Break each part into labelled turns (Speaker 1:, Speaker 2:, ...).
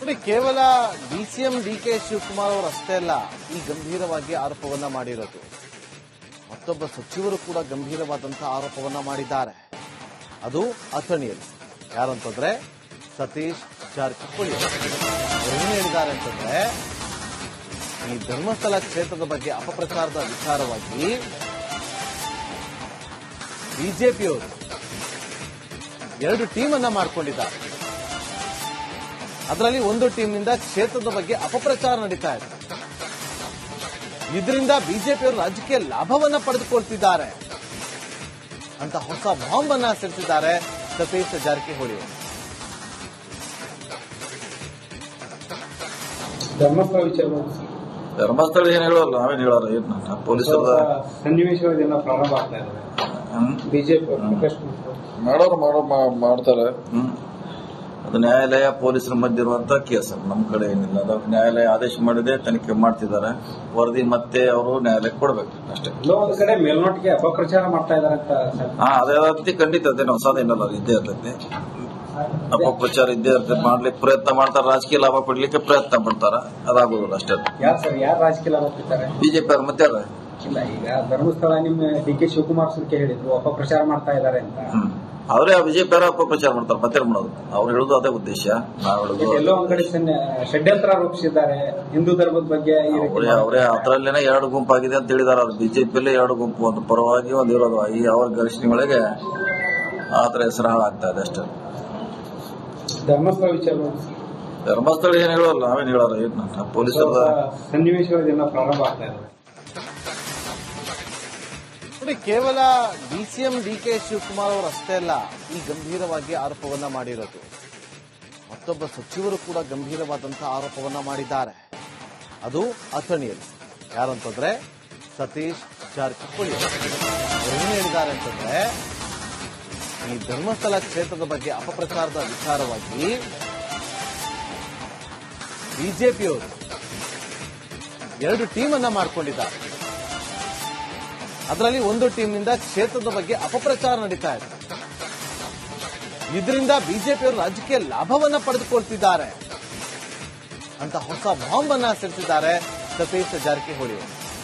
Speaker 1: ನೋಡಿ, ಕೇವಲ DCM DK Shivakumar ಅವರು ಅಷ್ಟೇ ಅಲ್ಲ ಈ ಗಂಭೀರವಾಗಿ ಆರೋಪವನ್ನ ಮಾಡಿರೋದು. ಮತ್ತೊಬ್ಬ ಸಚಿವರು ಕೂಡ ಗಂಭೀರವಾದಂತಹ ಆರೋಪವನ್ನ ಮಾಡಿದ್ದಾರೆ. ಅದು ಅಥಣಿಯಲ್ಲಿ. ಯಾರಂತಂದ್ರೆ ಸತೀಶ್ ಜಾರಕಿಹೊಳಿ ಏನು ಹೇಳಿದ್ದಾರೆ ಅಂತಂದ್ರೆ, ಈ ಧರ್ಮಸ್ಥಳ ಕ್ಷೇತ್ರದ ಬಗ್ಗೆ ಅಪಪ್ರಚಾರದ ವಿಚಾರವಾಗಿ ಬಿಜೆಪಿಯವರು 2 ಟೀಮ್ ಅನ್ನ ಮಾಡಿಕೊಂಡಿದ್ದಾರೆ. ಅದರಲ್ಲಿ ಒಂದು ಟೀಮ್ನಿಂದ ಕ್ಷೇತ್ರದ ಬಗ್ಗೆ ಅಪಪ್ರಚಾರ ನಡೀತಾ ಇದೆ. ಇದರಿಂದ ಬಿಜೆಪಿಯವರು ರಾಜಕೀಯ ಲಾಭವನ್ನ ಪಡೆದುಕೊಳ್ತಿದ್ದಾರೆ ಅಂತ ಹೊಸ ಬಾಂಬ್ ಅನ್ನ ಸಿಡಿಸಿದ್ದಾರೆ ಸತೀಶ್ ಜಾರಕಿಹೊಳಿ.
Speaker 2: ಧರ್ಮಸ್ಥಳ ಏನ್ ಹೇಳೋಲ್ಲ, ನಾವೇನ್ ಹೇಳೋಲ್ಲ. ಏನು ಪೊಲೀಸರ
Speaker 3: ಸನ್ನಿವೇಶಗಳನ್ನ ಪ್ರಾರಂಭ ಆಗ್ತಾ ಇದ್ದಾರೆ. ಬಿಜೆಪಿ
Speaker 2: ಮಾಡ್ತಾರೆ. ಅದು ನ್ಯಾಯಾಲಯ ಪೊಲೀಸರ ಮಧ್ಯೆ ಇರುವಂತಹ ಕೇಸ್. ನಮ್ಮ ಕಡೆ ಏನಿಲ್ಲ. ಅದು ನ್ಯಾಯಾಲಯ ಆದೇಶ ಮಾಡಿದೆ, ತನಿಖೆ ಮಾಡ್ತಿದ್ದಾರೆ. ವರದಿ ಮತ್ತೆ ಅವರು ನ್ಯಾಯಾಲಯಕ್ಕೆ ಕೊಡ್ಬೇಕು ಅಷ್ಟೇ.
Speaker 3: ಒಂದು ಕಡೆ ಮೇಲ್ನೋಟಿಗೆ ಅಪಪ್ರಚಾರ ಮಾಡ್ತಾ ಇದ್ದಾರೆ ಅಂತ.
Speaker 2: ಅದೇ ಖಂಡಿತ ಅದೇನು ಹೊಸದೇನಲ್ಲ, ಇದ್ದೇ ಇರ್ತೈತಿ. ಅಪಪ್ರಚಾರ ಇದ್ದೇ ಇರ್ತೈತಿ. ಮಾಡ್ಲಿಕ್ಕೆ ಪ್ರಯತ್ನ ಮಾಡ್ತಾರೆ, ರಾಜಕೀಯ ಲಾಭ ಪಡ್ಲಿಕ್ಕೆ ಪ್ರಯತ್ನ ಪಡ್ತಾರ. ಅದಾಗೋದಿಲ್ಲ ಅಷ್ಟೇ.
Speaker 3: ಯಾರು ರಾಜಕೀಯ ಲಾಭ ಪಡ್ತಾರೆ?
Speaker 2: ಬಿಜೆಪಿ ಅವ್ರು ಮತ್ತೆ ಯಾರು
Speaker 3: ಇಲ್ಲ. ಈಗ ಧರ್ಮಸ್ಥಳ ನಿಮ್ಮ ಡಿಕೆ ಶಿವಕುಮಾರ್ ಸುರ್ಕೆ ಹೇಳಿದ್ರು ಅಪಪ್ರಚಾರ ಮಾಡ್ತಾ ಇದ್ದಾರೆ ಅಂತ.
Speaker 2: ಅವರೇ ಬಿಜೆಪಿ ಅವರ ಅಪಪ್ರಚಾರ ಮಾಡ್ತಾರೆ. ಮತ್ತೆ ಮಾಡೋದು ಅವ್ರು ಹೇಳುದು ಅದೇ ಉದ್ದೇಶ. ನಾವು ಹೇಳುದು
Speaker 3: ಎಲ್ಲೋ ಒಂದ್ ಕಡೆ ಷಡ್ಯಂತ್ರ ರೂಪಿಸಿದ್ದಾರೆ ಹಿಂದೂ ಧರ್ಮದ ಬಗ್ಗೆ.
Speaker 2: ಅವರೇ ಅದರಲ್ಲೇನೆ 2 ಗುಂಪಾಗಿದೆ ಅಂತ ಹೇಳಿದಾರೆ. ಅದು ಬಿಜೆಪಿಯಲ್ಲೇ 2 ಗುಂಪು, ಒಂದು ಪರವಾಗಿ ಒಂದು ಇರೋದು. ಈ ಅವ್ರ ಘರ್ಷಣೆಗಳಿಗೆ ಆತರ ಹೆಸರು ಹಾಳಾಗ್ತಾ ಇದೆ ಅಷ್ಟೇ.
Speaker 3: ಧರ್ಮಸ್ಥಳ ವಿಚಾರ
Speaker 2: ಧರ್ಮಸ್ಥಳ ಏನ್ ಹೇಳೋಲ್ಲ, ನಾವೇನ್ ಹೇಳೋಲ್ಲ. ಏನು ಪೊಲೀಸರ
Speaker 3: ಸನ್ನಿವೇಶಗಳನ್ನ ಪ್ರಾರಂಭ ಆಗ್ತಾ ಇದೆ.
Speaker 1: ನೋಡಿ, ಕೇವಲ ಡಿಸಿಎಂ ಡಿಕೆ ಶಿವಕುಮಾರ್ ಅವರು ಅಷ್ಟೇ ಅಲ್ಲ ಈ ಗಂಭೀರವಾಗಿ ಆರೋಪವನ್ನ ಮಾಡಿರೋದು. ಮತ್ತೊಬ್ಬ ಸಚಿವರು ಕೂಡ ಗಂಭೀರವಾದಂತಹ ಆರೋಪವನ್ನ ಮಾಡಿದ್ದಾರೆ. ಅದು ಅಥಣಿಯಲ್ಲಿ. ಯಾರಂತಂದ್ರೆ ಸತೀಶ್ ಜಾರಕಿಹೊಳಿ ಏನು ಹೇಳಿದ್ದಾರೆ ಅಂತಂದ್ರೆ, ಈ ಧರ್ಮಸ್ಥಳ ಕ್ಷೇತ್ರದ ಬಗ್ಗೆ ಅಪಪ್ರಚಾರದ ವಿಚಾರವಾಗಿ ಬಿಜೆಪಿಯವರು 2 ಟೀಮ್ ಅನ್ನ ಮಾಡಿಕೊಂಡಿದ್ದಾರೆ. ಅದರಲ್ಲಿ ಒಂದು ಟೀಮ್ನಿಂದ ಕ್ಷೇತ್ರದ ಬಗ್ಗೆ ಅಪಪ್ರಚಾರ ನಡೀತಾ ಇದೆ. ಇದರಿಂದ ಬಿಜೆಪಿಯವರು ರಾಜಕೀಯ ಲಾಭವನ್ನ ಪಡೆದುಕೊಳ್ತಿದ್ದಾರೆ ಅಂತ ಹೊಸ ಬಾಂಬ್ ಅನ್ನ ಸಿಡಿಸಿದ್ದಾರೆ ಸತೀಶ್ ಜಾರಕಿಹೊಳಿ.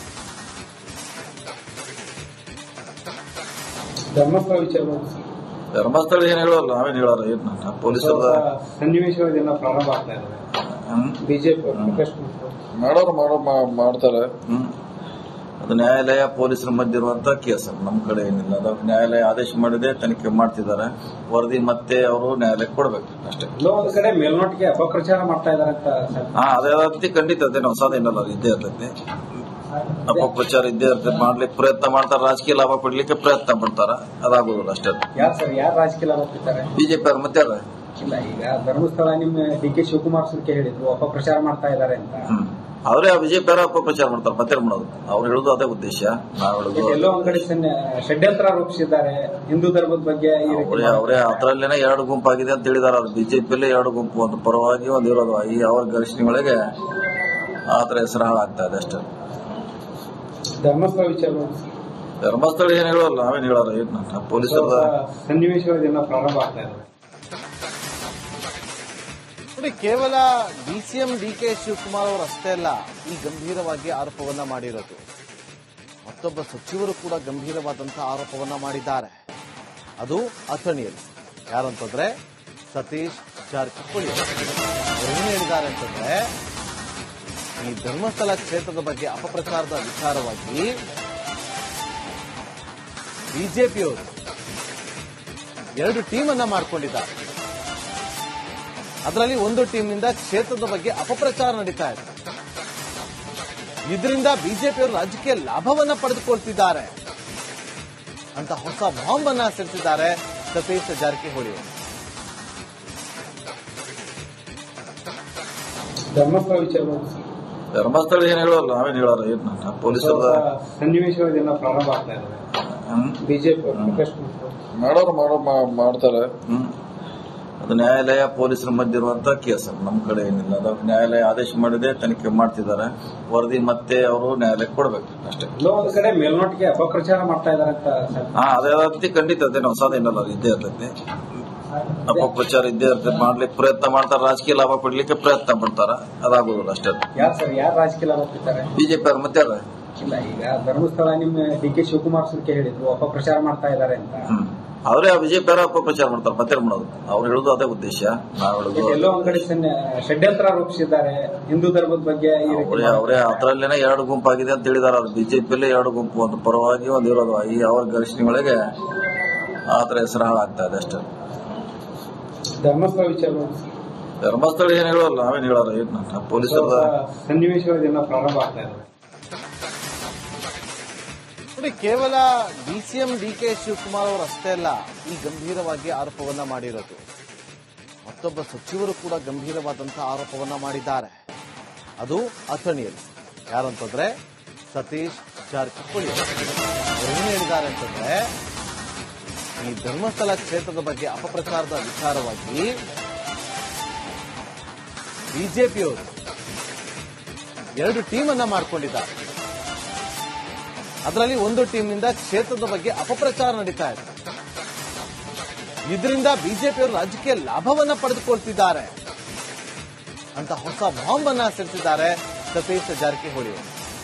Speaker 2: ಧರ್ಮಸ್ಥಳ ಏನ್ ಹೇಳೋಲ್ಲ, ನಾವೇನ್ ಹೇಳೋಲ್ಲ. ಏನು ಪೊಲೀಸರ
Speaker 3: ಸನ್ನಿವೇಶಗಳನ್ನ ಪ್ರಾರಂಭ ಆಗ್ತಾ ಇದ್ದಾರೆ. ಬಿಜೆಪಿ
Speaker 2: ಮಾಡ್ತಾರೆ. ಅದು ನ್ಯಾಯಾಲಯ ಪೊಲೀಸರ ಮಧ್ಯೆ ಇರುವಂತಹ ಕೇಸ್. ನಮ್ಮ ಕಡೆ ಏನಿಲ್ಲ. ಅದು ನ್ಯಾಯಾಲಯ ಆದೇಶ ಮಾಡಿದೆ, ತನಿಖೆ ಮಾಡ್ತಿದ್ದಾರೆ. ವರದಿ ಮತ್ತೆ ಅವರು ನ್ಯಾಯಾಲಯಕ್ಕೆ ಕೊಡ್ಬೇಕು ಅಷ್ಟೇ.
Speaker 3: ಒಂದು ಕಡೆ ಮೇಲ್ನೋಟಿಗೆ ಅಪಪ್ರಚಾರ ಮಾಡ್ತಾ ಇದ್ದಾರೆ ಅಂತ.
Speaker 2: ಅದೇ ಖಂಡಿತ ಅದೇನು ಹೊಸದೇನಲ್ಲ, ಇದ್ದೇ ಇರ್ತೈತಿ. ಅಪಪ್ರಚಾರ ಇದ್ದೇ ಇರ್ತೈತಿ. ಮಾಡ್ಲಿಕ್ಕೆ ಪ್ರಯತ್ನ ಮಾಡ್ತಾರೆ, ರಾಜಕೀಯ ಲಾಭ ಪಡ್ಲಿಕ್ಕೆ ಪ್ರಯತ್ನ ಪಡ್ತಾರ. ಅದಾಗೋದಿಲ್ಲ ಅಷ್ಟೇ.
Speaker 3: ಯಾರು ರಾಜಕೀಯ ಲಾಭ ಪಡ್ತಾರೆ?
Speaker 2: ಬಿಜೆಪಿ ಅವ್ರು ಮತ್ತೆ ಯಾರು
Speaker 3: ಇಲ್ಲ. ಈಗ ಧರ್ಮಸ್ಥಳ ನಿಮ್ಮ ಡಿಕೆ ಶಿವಕುಮಾರ್ ಸುರ್ಕೆ ಹೇಳಿದ್ರು ಅಪಪ್ರಚಾರ ಮಾಡ್ತಾ ಇದ್ದಾರೆ ಅಂತ.
Speaker 2: ಅವರೇ ಬಿಜೆಪಿ ಅವರ ಅಪಪ್ರಚಾರ ಮಾಡ್ತಾರೆ. ಮತ್ತೆ ಮಾಡೋದು ಅವ್ರು ಹೇಳುದು ಅದೇ ಉದ್ದೇಶ. ನಾವು ಹೇಳುದು
Speaker 3: ಎಲ್ಲೋ ಒಂದ್ ಕಡೆ ಷಡ್ಯಂತ್ರ ರೂಪಿಸಿದ್ದಾರೆ ಹಿಂದೂ ಧರ್ಮದ ಬಗ್ಗೆ.
Speaker 2: ಅವರೇ ಅದರಲ್ಲೇನೆ 2 ಗುಂಪಾಗಿದೆ ಅಂತ ಹೇಳಿದಾರೆ. ಅದು ಬಿಜೆಪಿಯಲ್ಲೇ 2 ಗುಂಪು, ಒಂದು ಪರವಾಗಿ ಒಂದು ಇರೋದು. ಈ ಅವ್ರ ಘರ್ಷಣೆಗಳಿಗೆ ಆತರ ಹೆಸರು ಹಾಳಾಗ್ತಾ ಇದೆ ಅಷ್ಟೇ.
Speaker 3: ಧರ್ಮಸ್ಥಳ ವಿಚಾರ
Speaker 2: ಧರ್ಮಸ್ಥಳ ಏನ್ ಹೇಳೋಲ್ಲ, ನಾವೇನ್ ಹೇಳೋಲ್ಲ. ಏನು ಪೊಲೀಸರ
Speaker 3: ಸನ್ನಿವೇಶಗಳನ್ನ ಪ್ರಾರಂಭ ಆಗ್ತಾ ಇದೆ.
Speaker 1: ನೋಡಿ, ಕೇವಲ ಡಿಸಿಎಂ ಡಿಕೆ ಶಿವಕುಮಾರ್ ಅವರು ಅಷ್ಟೇ ಅಲ್ಲ ಈ ಗಂಭೀರವಾಗಿ ಆರೋಪವನ್ನ ಮಾಡಿರೋದು. ಮತ್ತೊಬ್ಬ ಸಚಿವರು ಕೂಡ ಗಂಭೀರವಾದಂತಹ ಆರೋಪವನ್ನ ಮಾಡಿದ್ದಾರೆ. ಅದು ಅಥಣಿಯಲ್ಲಿ. ಯಾರಂತಂದ್ರೆ ಸತೀಶ್ ಜಾರಕಿಹೊಳಿ ಏನು ಹೇಳಿದ್ದಾರೆ ಅಂತಂದ್ರೆ, ಈ ಧರ್ಮಸ್ಥಳ ಕ್ಷೇತ್ರದ ಬಗ್ಗೆ ಅಪಪ್ರಚಾರದ ವಿಚಾರವಾಗಿ ಬಿಜೆಪಿಯವರು 2 ಟೀಮ್ ಅನ್ನ ಮಾಡಿಕೊಂಡಿದ್ದಾರೆ. ಅದರಲ್ಲಿ ಒಂದು ಟೀಮ್ನಿಂದ ಕ್ಷೇತ್ರದ ಬಗ್ಗೆ ಅಪಪ್ರಚಾರ ನಡೀತಾ ಇದೆ. ಇದರಿಂದ ಬಿಜೆಪಿಯವರು ರಾಜಕೀಯ ಲಾಭವನ್ನ ಪಡೆದುಕೊಳ್ತಿದ್ದಾರೆ ಅಂತ ಹೊಸ ಬಾಂಬ್ ಅನ್ನ ಸಿಡಿಸಿದ್ದಾರೆ ಸತೀಶ್ ಜಾರಕಿಹೊಳಿ.
Speaker 2: ಧರ್ಮಸ್ಥಳ ಏನ್ ಹೇಳೋಲ್ಲ, ನಾವೇನ್ ಹೇಳೋಲ್ಲ. ಏನು ಪೊಲೀಸರ
Speaker 3: ಸನ್ನಿವೇಶಗಳನ್ನ ಪ್ರಾರಂಭ ಆಗ್ತಾ ಇದ್ದಾರೆ. ಬಿಜೆಪಿ
Speaker 2: ಮಾಡ್ತಾರೆ. ಅದು ನ್ಯಾಯಾಲಯ ಪೊಲೀಸರ ಮಧ್ಯೆ ಇರುವಂತಹ ಕೇಸ್. ನಮ್ಮ ಕಡೆ ಏನಿಲ್ಲ. ಅದು ನ್ಯಾಯಾಲಯ ಆದೇಶ ಮಾಡಿದೆ, ತನಿಖೆ ಮಾಡ್ತಿದ್ದಾರೆ. ವರದಿ ಮತ್ತೆ ಅವರು ನ್ಯಾಯಾಲಯಕ್ಕೆ ಕೊಡ್ಬೇಕು ಅಷ್ಟೇ.
Speaker 3: ಒಂದು ಕಡೆ ಮೇಲ್ನೋಟಿಗೆ ಅಪಪ್ರಚಾರ ಮಾಡ್ತಾ ಇದ್ದಾರೆ ಅಂತ.
Speaker 2: ಅದೇ ಖಂಡಿತ ಅದೇನು ಹೊಸದೇನಲ್ಲ, ಇದ್ದೇ ಇರ್ತೈತಿ. ಅಪಪ್ರಚಾರ ಇದ್ದೇ ಇರ್ತದೆ, ಮಾಡ್ಲಿಕ್ಕೆ ಪ್ರಯತ್ನ ಮಾಡ್ತಾರೆ, ರಾಜಕೀಯ ಲಾಭ ಪಡ್ಲಿಕ್ಕೆ ಪ್ರಯತ್ನ ಪಡ್ತಾರ, ಅದಾಗೋದಿಲ್ಲ ಅಷ್ಟೇ.
Speaker 3: ಯಾರು ರಾಜಕೀಯ ಲಾಭ ಪಡ್ತಾರೆ?
Speaker 2: ಬಿಜೆಪಿ ಅವ್ರು ಮತ್ತೆ ಯಾರು?
Speaker 3: ಇಲ್ಲ, ಈಗ ಧರ್ಮಸ್ಥಳ ನಿಮ್ಮ ಡಿ.ಕೆ. ಶಿವಕುಮಾರ್ ಸರ್ಗೆ ಹೇಳಿದ್ರು ಅಪಪ್ರಚಾರ ಮಾಡ್ತಾ ಇದ್ದಾರೆ ಅಂತ.
Speaker 2: ಅವರೇ ಬಿಜೆಪಿ ಅವರ ಅಪಪ್ರಚಾರ ಮಾಡ್ತಾರೆ, ಮತ್ತೆ ಮಾಡೋದು. ಅವ್ರು ಹೇಳುದು ಅದೇ ಉದ್ದೇಶ. ನಾವು ಹೇಳುದು
Speaker 3: ಎಲ್ಲೋ ಒಂದ್ ಕಡೆ ಷಡ್ಯಂತ್ರ ರೂಪಿಸಿದ್ದಾರೆ ಹಿಂದೂ ಧರ್ಮದ ಬಗ್ಗೆ.
Speaker 2: ಅವರೇ ಅದರಲ್ಲೇನೆ ಎರಡು ಗುಂಪಾಗಿದೆ ಅಂತ ಹೇಳಿದಾರೆ. ಅದು ಬಿಜೆಪಿಯಲ್ಲೇ ಎರಡು ಗುಂಪು, ಒಂದು ಪರವಾಗಿ ಒಂದು ಇರೋದು. ಈ ಅವ್ರ ಘರ್ಷಣೆಗಳಿಗೆ ಆತರ ಹೆಸರು ಹಾಳಾಗ್ತಾ ಇದೆ ಅಷ್ಟೇ.
Speaker 3: ಧರ್ಮಸ್ಥಳ ವಿಚಾರ,
Speaker 2: ಧರ್ಮಸ್ಥಳ ಏನ್ ಹೇಳೋಲ್ಲ, ನಾವೇನ್ ಹೇಳೋಲ್ಲ. ಏನ್ ಪೊಲೀಸರ
Speaker 3: ಸನ್ನಿವೇಶಗಳ ಪ್ರಾರಂಭ ಆಗ್ತಾ ಇದೆ.
Speaker 1: ಕೇವಲ ಡಿಸಿಎಂ ಡಿ.ಕೆ. ಶಿವಕುಮಾರ್ ಅವರು ಅಷ್ಟೇ ಅಲ್ಲ ಈ ಗಂಭೀರವಾಗಿ ಆರೋಪವನ್ನ ಮಾಡಿರೋದು. ಮತ್ತೊಬ್ಬ ಸಚಿವರು ಕೂಡ ಗಂಭೀರವಾದಂತಹ ಆರೋಪವನ್ನ ಮಾಡಿದ್ದಾರೆ. ಅದು ಅಥಣಿಯಲ್ಲಿ. ಯಾರಂತಂದ್ರೆ ಸತೀಶ್ ಜಾರಕಿಹೊಳಿ. ಏನು ಹೇಳಿದ್ದಾರೆ ಅಂತಂದ್ರೆ, ಈ ಧರ್ಮಸ್ಥಳ ಕ್ಷೇತ್ರದ ಬಗ್ಗೆ ಅಪಪ್ರಚಾರದ ವಿಚಾರವಾಗಿ ಬಿಜೆಪಿಯವರು 2 ಟೀಮ್ ಅನ್ನ ಮಾಡಿಕೊಂಡಿದ್ದಾರೆ. ಅದರಲ್ಲಿ ಒಂದು ಟೀಮ್ನಿಂದ ಕ್ಷೇತ್ರದ ಬಗ್ಗೆ ಅಪಪ್ರಚಾರ ನಡೀತಾ ಇದೆ. ಇದರಿಂದ ಬಿಜೆಪಿಯವರು ರಾಜಕೀಯ ಲಾಭವನ್ನ ಪಡೆದುಕೊಳ್ತಿದ್ದಾರೆ ಅಂತ ಹೊಸ ಬಾಂಬ್ ಅನ್ನ ಸಿಡಿಸಿದ್ದಾರೆ ಸತೀಶ್ ಜಾರಕಿಹೊಳಿ.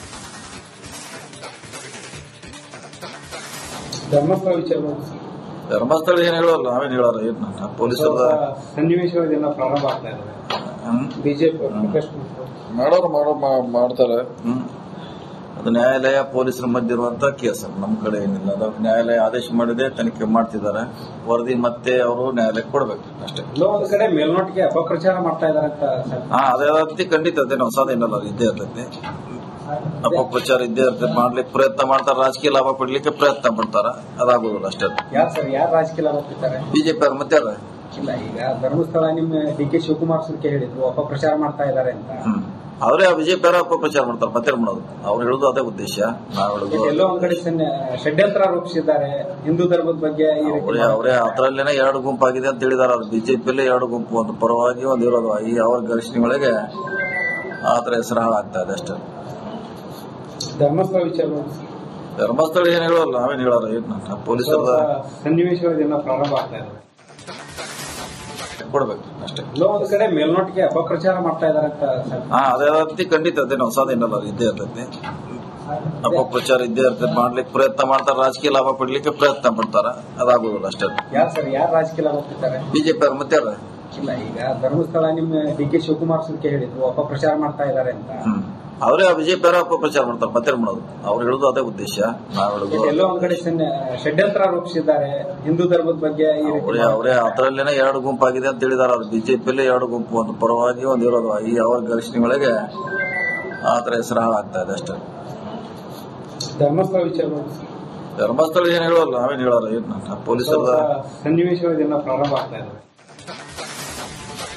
Speaker 3: ಧರ್ಮಸ್ಥಳ ವಿಚಾರ,
Speaker 2: ಧರ್ಮಸ್ಥಳ ಏನ್ ಹೇಳೋಲ್ಲ, ನಾವೇನ್ ಹೇಳೋಲ್ಲ. ಏನ್ ಪೊಲೀಸರ
Speaker 3: ಸನ್ನಿವೇಶಗಳ ಪ್ರಾರಂಭ ಆಗ್ತಾ ಇದೆ. ಬಿಜೆಪಿ
Speaker 2: ಮಾಡ್ತಾರೆ. ಅದು ನ್ಯಾಯಾಲಯ ಪೊಲೀಸರ ಮಧ್ಯೆ ಇರುವಂತಹ ಕೇಸ್. ನಮ್ಮ ಕಡೆ ಏನಿಲ್ಲ. ಅದು ನ್ಯಾಯಾಲಯ ಆದೇಶ ಮಾಡಿದೆ, ತನಿಖೆ ಮಾಡ್ತಿದ್ದಾರೆ. ವರದಿ ಮತ್ತೆ ಅವರು ನ್ಯಾಯಾಲಯಕ್ಕೆ ಕೊಡ್ಬೇಕು ಅಷ್ಟೇ.
Speaker 3: ಒಂದು ಕಡೆ ಮೇಲ್ನೋಟಿಗೆ ಅಪಪ್ರಚಾರ ಮಾಡ್ತಾ ಇದ್ದಾರೆ ಅಂತ.
Speaker 2: ಅದೇ ರೀತಿ ಖಂಡಿತ ಅದೇನು ಹೊಸದೇನಲ್ಲ, ಇದ್ದೇ ಇರ್ತೈತಿ. ಅಪಪ್ರಚಾರ ಇದ್ದೇ ಇರ್ತದೆ, ಮಾಡ್ಲಿಕ್ಕೆ ಪ್ರಯತ್ನ ಮಾಡ್ತಾರೆ, ರಾಜಕೀಯ ಲಾಭ ಪಡ್ಲಿಕ್ಕೆ ಪ್ರಯತ್ನ ಪಡ್ತಾರ, ಅದಾಗೋದಿಲ್ಲ ಅಷ್ಟೇ.
Speaker 3: ಯಾರು ರಾಜಕೀಯ ಲಾಭ ಪಡ್ತಾರೆ?
Speaker 2: ಬಿಜೆಪಿ ಅವ್ರು ಮತ್ತೆ ಯಾರು?
Speaker 3: ಇಲ್ಲ, ಈಗ ಧರ್ಮಸ್ಥಳ ನಿಮ್ಮ ಡಿ.ಕೆ. ಶಿವಕುಮಾರ್ ಸರ್ಗೆ ಹೇಳಿದ್ರು ಅಪಪ್ರಚಾರ ಮಾಡ್ತಾ ಇದ್ದಾರೆ ಅಂತ.
Speaker 2: ಅವರೇ ಬಿಜೆಪಿ ಅವರ ಅಪಪ್ರಚಾರ ಮಾಡ್ತಾರೆ, ಮತ್ತೆ ಮಾಡೋದು. ಅವ್ರು ಹೇಳುದು ಅದೇ ಉದ್ದೇಶ. ನಾವು ಹೇಳುದು
Speaker 3: ಎಲ್ಲೋ ಒಂದ್ ಕಡೆ ಷಡ್ಯಂತ್ರ ರೂಪಿಸಿದ್ದಾರೆ ಹಿಂದೂ ಧರ್ಮದ ಬಗ್ಗೆ.
Speaker 2: ಅವರೇ ಅದರಲ್ಲೇನೆ ಎರಡು ಗುಂಪಾಗಿದೆ ಅಂತ ಹೇಳಿದಾರೆ. ಅದು ಬಿಜೆಪಿಯಲ್ಲೇ ಎರಡು ಗುಂಪು, ಒಂದು ಪರವಾಗಿ ಒಂದು ಇರೋದು. ಈ ಅವ್ರ ಘರ್ಷಣೆಗಳಿಗೆ ಆತರ ಹೆಸರು ಹಾಳಾಗ್ತಾ ಇದೆ ಅಷ್ಟೇ.
Speaker 3: ಧರ್ಮಸ್ಥಳ ವಿಚಾರ,
Speaker 2: ಧರ್ಮಸ್ಥಳ ಏನ್ ಹೇಳೋಲ್ಲ, ನಾವೇನ್ ಹೇಳೋಲ್ಲ. ಏನ್ ಪೊಲೀಸರ
Speaker 3: ಸನ್ನಿವೇಶಗಳ ಪ್ರಾರಂಭ ಆಗ್ತಾ ಇದೆ.
Speaker 2: ಕೊಡ್ಬೇಕು ಅಷ್ಟೇ.
Speaker 3: ಒಂದು ಕಡೆ ಮೇಲ್ನೋಟಿಗೆ ಅಪಪ್ರಚಾರ ಮಾಡ್ತಾ ಇದ್ದಾರೆ ಅಂತ.
Speaker 2: ಅದೇ ರೀತಿ ಖಂಡಿತ ಅದೇನು ಹೊಸದೇನಲ್ಲ, ಇದ್ದೇ ಇರ್ತೈತಿ. ಅಪಪ್ರಚಾರ ಇದ್ದೇ ಇರ್ತದೆ, ಮಾಡ್ಲಿಕ್ಕೆ ಪ್ರಯತ್ನ ಮಾಡ್ತಾರೆ, ರಾಜಕೀಯ ಲಾಭ ಪಡ್ಲಿಕ್ಕೆ ಪ್ರಯತ್ನ ಪಡ್ತಾರ, ಅದಾಗೋದಿಲ್ಲ ಅಷ್ಟೇ.
Speaker 3: ಯಾರು ರಾಜಕೀಯ ಲಾಭ ಪಡ್ತಾರೆ?
Speaker 2: ಬಿಜೆಪಿ ಅವ್ರು ಮತ್ತೆ ಯಾರು?
Speaker 3: ಇಲ್ಲ, ಈಗ ಧರ್ಮಸ್ಥಳ ನಿಮ್ಮ ಡಿ.ಕೆ. ಶಿವಕುಮಾರ್ ಸರ್ಗೆ ಹೇಳಿದ್ರು ಅಪಪ್ರಚಾರ ಮಾಡ್ತಾ ಇದ್ದಾರೆ ಅಂತ.
Speaker 2: ಅವರೇ ಬಿಜೆಪಿ ಅವರ ಅಪಪ್ರಚಾರ ಮಾಡ್ತಾರೆ, ಮತ್ತೆ ಮಾಡೋದು. ಅವ್ರು ಹೇಳುದು ಅದೇ ಉದ್ದೇಶ. ನಾವು ಹೇಳುದು
Speaker 3: ಎಲ್ಲೋ ಒಂದ್ ಕಡೆ ಷಡ್ಯಂತ್ರ ರೂಪಿಸಿದ್ದಾರೆ ಹಿಂದೂ ಧರ್ಮದ ಬಗ್ಗೆ.
Speaker 2: ಅವರೇ ಅದರಲ್ಲೇನೆ ಎರಡು ಗುಂಪಾಗಿದೆ ಅಂತ ಹೇಳಿದಾರೆ. ಅದು ಬಿಜೆಪಿಯಲ್ಲೇ ಎರಡು ಗುಂಪು, ಒಂದು ಪರವಾಗಿ ಒಂದು ಇರೋದು. ಈ ಅವ್ರ ಘರ್ಷಣೆಗಳಿಗೆ ಆತರ ಹೆಸರು ಹಾಳಾಗ್ತಾ ಇದೆ ಅಷ್ಟೇ.
Speaker 3: ಧರ್ಮಸ್ಥಳ ವಿಚಾರ,
Speaker 2: ಧರ್ಮಸ್ಥಳ ಏನ್ ಹೇಳೋಲ್ಲ, ನಾವೇನ್ ಹೇಳೋಲ್ಲ. ಏನ್ ಪೊಲೀಸರ
Speaker 3: ಸನ್ನಿವೇಶಗಳ ಪ್ರಾರಂಭ ಆಗ್ತಾ ಇದೆ.